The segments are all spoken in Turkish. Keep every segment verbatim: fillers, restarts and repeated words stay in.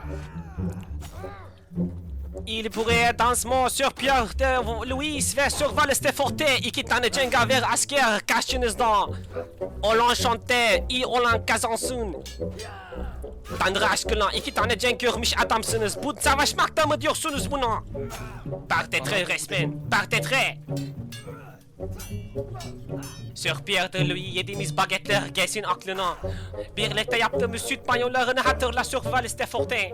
Il pourrait dansement sur Pierre de Louis ve sur Valles de Forte iki tane cengaver asker karşınızda. Olan şante, iyi olan kazansın. Tanrı aşkına iki tane cenk görmüş adamsınız. Bu savaşmakta mı diyorsunuz buna? Partetre resmen, partetre. Sur Pierre de Louis yediğimiz bagetler gelsin aklına. Birlikte yaptığımız süt banyolarını hatırla sur Valles de Forte.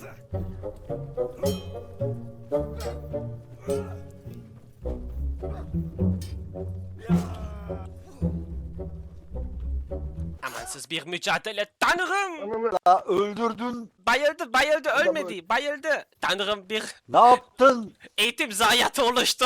Amansız bir mücadele. Tanrım! Ya öldürdün. Bayıldı, bayıldı, ölmedi, bayıldı. Tanrım bir Ne yaptın? eğitim zayiatı oluştu.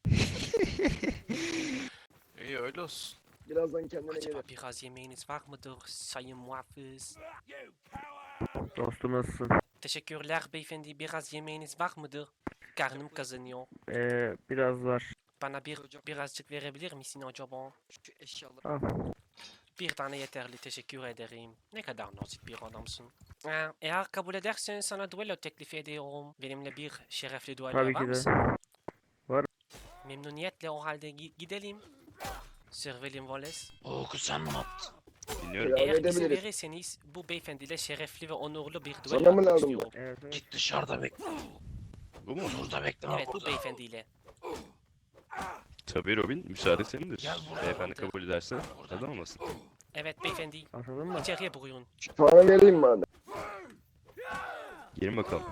İyi öyle olsun. Birazdan kendine Acaba gelir. biraz yemeğiniz var mıdır sayın muhafız? Dostum nasılsın? Teşekkürler beyefendi, biraz yemeğiniz var mıdır? Karnım kazanıyor. Ee, biraz var. Bana bir birazcık verebilir misin acaba? Şu eşyaları. Al. Bir tane yeterli, teşekkür ederim. Ne kadar nazik bir adamsın. Ha, eğer kabul edersen sana duello teklif ediyorum. Benimle bir şerefli duello Tabii var ki de. mısın? Var. Memnuniyetle o halde gi- gidelim. Sir William Wallace. Oo kuzen ne yaptın? Dinliyorum. Devam Eğer izin edebiliriz. verirseniz bu beyefendiyle şerefli ve onurlu bir Sana duello mı yapmak lazım bu? istiyorum. Evet, evet. Git dışarıda bekle. Bu mu? Burada bekleme Evet bu burada. beyefendiyle. Tabii Robin, müsaade senindir. Gel buraya. Beyefendi kabul ederse neden olmasın? Evet beyefendi. Atalım mı? İçeriye buyurun. Sana vereyim madem. Girin bakalım.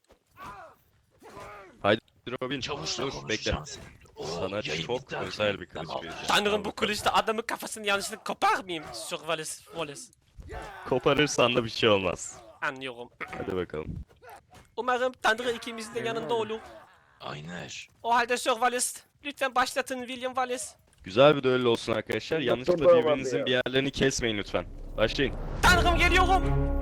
Haydi Robin, Çavuşla dur bekle. konuşacağım seni. Oo, Sana yayın çok bitti artık. özel bir kılıç Tamam. vereceğim. Tanrım Al bu bakalım. kılıçta adamın kafasını yanlışlıkla kopar mıyım? Sir Wallace. Wallace. Koparırsan da bir şey olmaz. Anlıyorum. Hadi bakalım. Umarım Tanrı ikimizin de yanında olur. Aynen. O halde Sir Wallace. Lütfen başlatın William Wallace. Güzel bir düello olsun arkadaşlar. Doktor Yanlışlıkla da vardı birbirinizin ya. bir yerlerini kesmeyin lütfen. Başlayın. Tanrım geliyorum.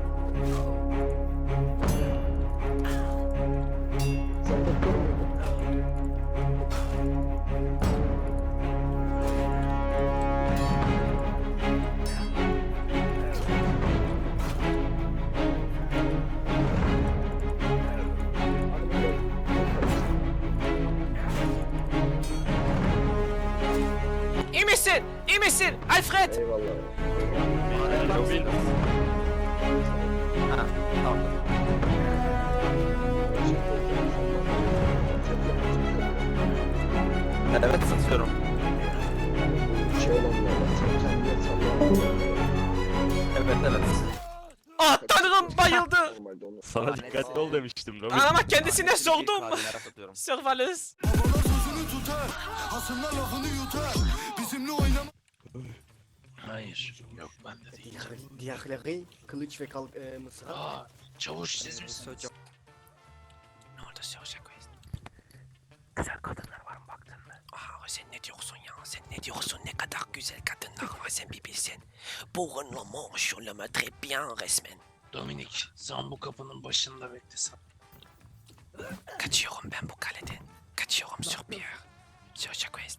Sen doktor muydun? İyi misin? İyi misin? Alfred. Eyvallah. Robin. Ha, tamam. Evet satıyorum. Şey olan ya. Sen kendine salla. Evet evet. Ah Tanrım bayıldı. Normalde onu. Sana dikkatli ol demiştim Robin. Ama kendisine sordum. Hadimeler satıyorum. Sir Wallace. Babalar sözünü tutar, hasımlar lafını yutar. Bizimle oynama. Hayır. Yok bende değil. Diğerleri kılıç ve kalk e, mısra. Aa, çavuş siz misiniz? Ne oldu Sir Jacques? Güzel kadınlar var mı baktın mı? Aa sen ne diyorsun ya? Sen ne diyorsun? Ne kadar güzel kadınlar var sen bir bilsen. Pour un homme sur le très bien resmen. Dominik, sen bu kapının başında beklesen. Kaçıyorum ben bu kaleden. Kaçıyorum Sir Pierre. Sir Jacques.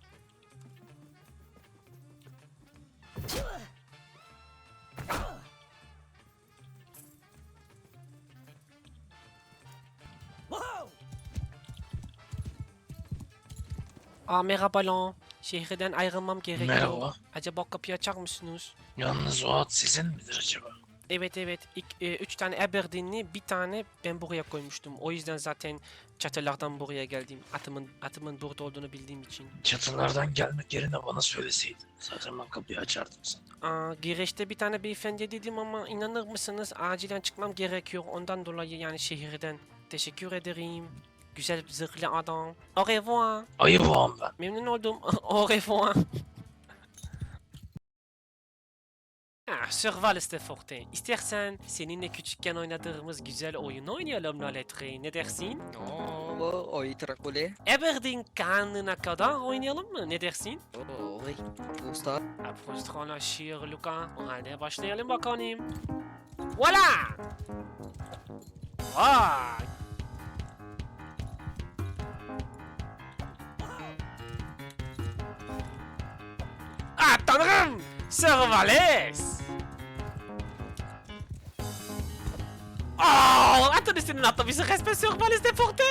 Aa merhaba lan. Şehirden ayrılmam gerekiyor. Merhaba. Acaba kapıyı açar mısınız? Yalnız o at sizin midir acaba? Evet evet. İk, e, üç tane Aberdeen'li bir tane ben buraya koymuştum. O yüzden zaten çatılardan buraya geldim. Atımın atımın burada olduğunu bildiğim için. Çatılardan gelmek yerine bana söyleseydin. Zaten ben kapıyı açardım sana. Aa, girişte bir tane beyefendi dedim ama inanır mısınız? Acilen çıkmam gerekiyor. Ondan dolayı yani şehirden. Teşekkür ederim. Güzel zırhlı adam. Au revoir. Ayı boğam ben. Memnun oldum. Au revoir. Ah, Sir Wallace de Forte. İstersen seninle küçükken oynadığımız güzel oyunu oynayalım Laletre. Ne dersin? Oh, oy Trakule. Aberdeen karnına kadar oynayalım mı? Ne dersin? Oh, oy. Usta. Apostronlaşır Luka. O halde başlayalım bakalım. Voila! Vay! Ah tanrım! Sir Wallace! Oh! Atın senin atla bizi resmen Survivalist deporte.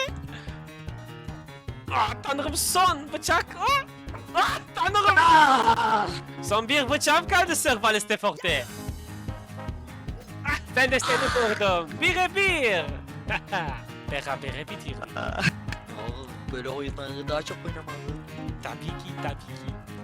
Ah tanrım son bıçak. Ah, ah tanrım. Son bir bıçağım kaldı Survivalist deporte. Ah ben de seni vurdum. Bire bir. Berabere bitirelim. Aa, böyle oyunları daha çok oynamalı. Tabii ki tabii ki.